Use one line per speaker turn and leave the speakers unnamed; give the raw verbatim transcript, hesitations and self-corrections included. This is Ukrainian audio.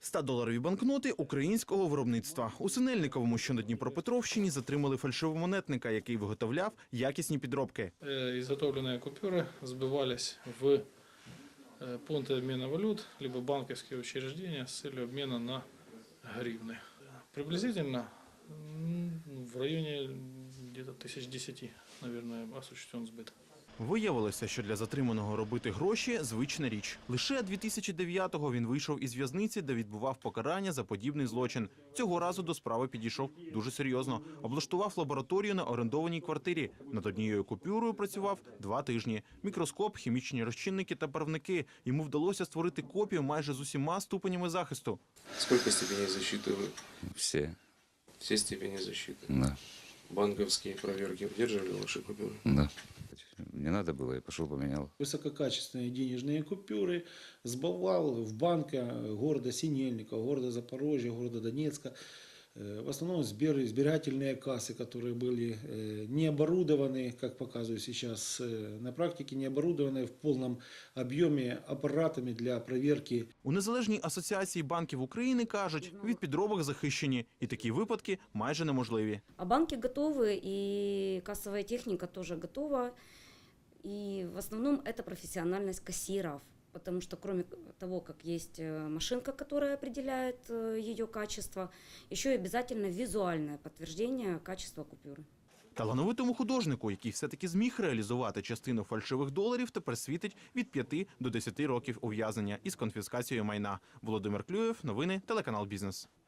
ста-доларові банкноти українського виробництва. У Синельниковому, що на Дніпропетровщині, затримали фальшивомонетника, який виготовляв якісні підробки.
Изготовленные купюры сбывались в пункты обмена валют, либо банковские учреждения с целью обмена на гривны. Приблизительно в районе где-то тысяч десяти, наверное, осуществлен сбыт.
Виявилося, що для затриманого робити гроші – звична річ. Лише дві тисячі дев'ятого він вийшов із в'язниці, де відбував покарання за подібний злочин. Цього разу до справи підійшов дуже серйозно. Облаштував лабораторію на орендованій квартирі. Над однією купюрою працював два тижні. Мікроскоп, хімічні розчинники та барвники. Йому вдалося створити копію майже з усіма ступенями захисту.
Сколько степеней защиты вы?
Все.
Все степени защиты.
Да.
Банковские проверки удерживали ваши купюры?
Да. Не надо было, я пошел поменял.
Высококачественные денежные купюры сбывал в банка города Синельникова, города Запорожья, города Донецка. В основном сберегательные кассы, которые были не оборудованы, как показываю сейчас на практике, не оборудованы в полном объеме аппаратами для проверки.
У Незалежній асоціації банків України кажуть, від підробок захищені, і такі випадки майже неможливі.
А банки готовы, и кассовая техника тоже готова. И в основном это профессиональность кассиров. Потому что кроме того, как есть машинка, которая определяет ее качество, еще и обязательно визуальное подтверждение качества купюры.
Талановитому художнику, який все-таки зміг реалізувати частину фальшивих доларів, тепер світить від п'яти до десяти років ув'язнення із конфіскацією майна. Володимир Клюєв, новини, телеканал «Бізнес».